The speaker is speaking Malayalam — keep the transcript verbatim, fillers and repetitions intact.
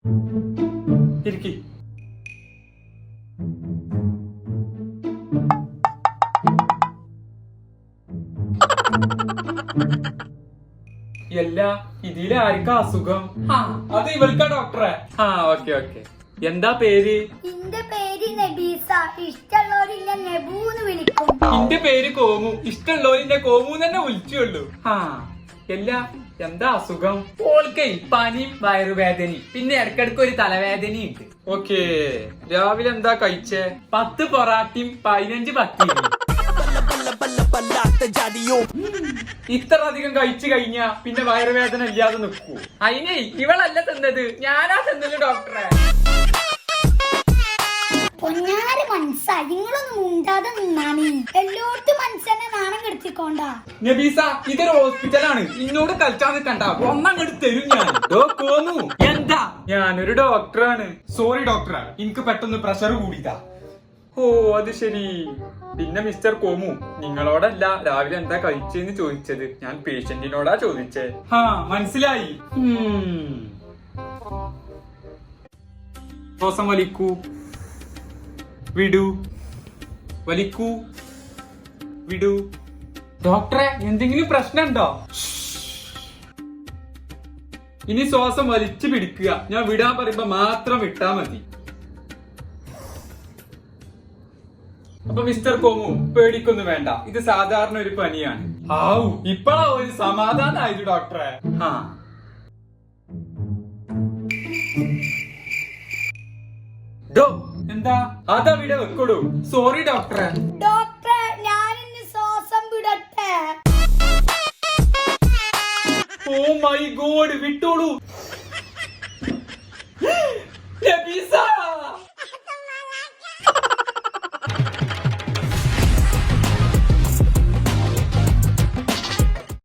ഇരിക്കി. എല്ലാ ഇതില് ആർക്കാ അസുഖം? ആ അത് ഇവൾക്കാ ഡോക്ടറെ. ആ ഓക്കെ ഓക്കെ. എന്താ പേര്? എന്റെ പേര് നബീസ. ഇഷ്ടമുള്ളവരില്ല നെബൂന്ന് വിളിക്കും. എന്റെ പേര് കോമു. ഇഷ്ടമുള്ളവരിന്റെ കോമു തന്നെ വിളിച്ചുള്ളൂ. ആ എല്ലാ എന്താ അസുഖം? ഓൾക്കേ പനിയും വയറുവേദനയും പിന്നെ ഇടക്കിടക്ക് ഒരു തലവേദനയും ഉണ്ട്. ഓക്കേ. രാവിലെ എന്താ കഴിച്ചേ? പത്ത് പൊറാട്ടയും പതിനഞ്ച് പത്തിയും. ഇത്ര അധികം കഴിച്ചു കഴിഞ്ഞാ പിന്നെ വയറുവേദന ഇല്ലാതെ നിൽക്കൂ. അതിനെ ഇവളല്ല തിന്നത്, ഞാനാ തിന്നത് ഡോക്ടറെ. പൊന്നാര് മനസ്സാ, നിങ്ങളൊന്നും മുണ്ടാതെ നിന്നാണ്. എല്ലായിടത്തും മനസ്സെന്നെ നാണം കെടുത്തിക്കൊണ്ടാ. നബീസ ഇതൊരു ഹോസ്പിറ്റലാണ്, ഇന്നോട് കളിച്ചാൽ നിൽക്കണ്ട, ഒന്നങ്ങോട്ട് തരും ഞാൻ. കോമു എന്താ? ഞാനൊരു ഡോക്ടറാണ്. സോറി ഡോക്ടറെ, എനിക്ക് പെട്ടെന്ന് പ്രഷർ കൂടിയതാ. ഓ അത് ശരി. പിന്നെ മിസ്റ്റർ കോമു, നിങ്ങളോടല്ല രാവിലെ എന്താ കഴിച്ചെന്ന് ചോദിച്ചത്, ഞാൻ പേഷ്യന്റിനോടാ ചോദിച്ചേ. ഹാ മനസ്സിലായി. ശ്വാസം വലിക്കൂ, വിടൂ, വലിക്കൂ, വിടൂ. ഡോക്ടറെ എന്തെങ്കിലും പ്രശ്നമുണ്ടോ? ഇനി ശ്വാസം വലിച്ചു പിടിക്കുക, ഞാൻ വിടാൻ പറയുമ്പോ മാത്രം വിട്ടാ മതി. അപ്പൊ മിസ്റ്റർ കോമു പേടിക്കൊന്നും വേണ്ട, ഇത് സാധാരണ ഒരു പനിയാണ്. ആവു ഇപ്പഴാ ഒരു സമാധാനായത് ഡോക്ടറെ. ആ ഡോ എന്താ അതവിടെ വെക്കോളൂ. സോറി ഡോക്ടറെ. ഡോക്ടറെ ഞാനിന്ന് ശ്വാസം വിടട്ടെ? Oh my God, വിട്ടോളൂ.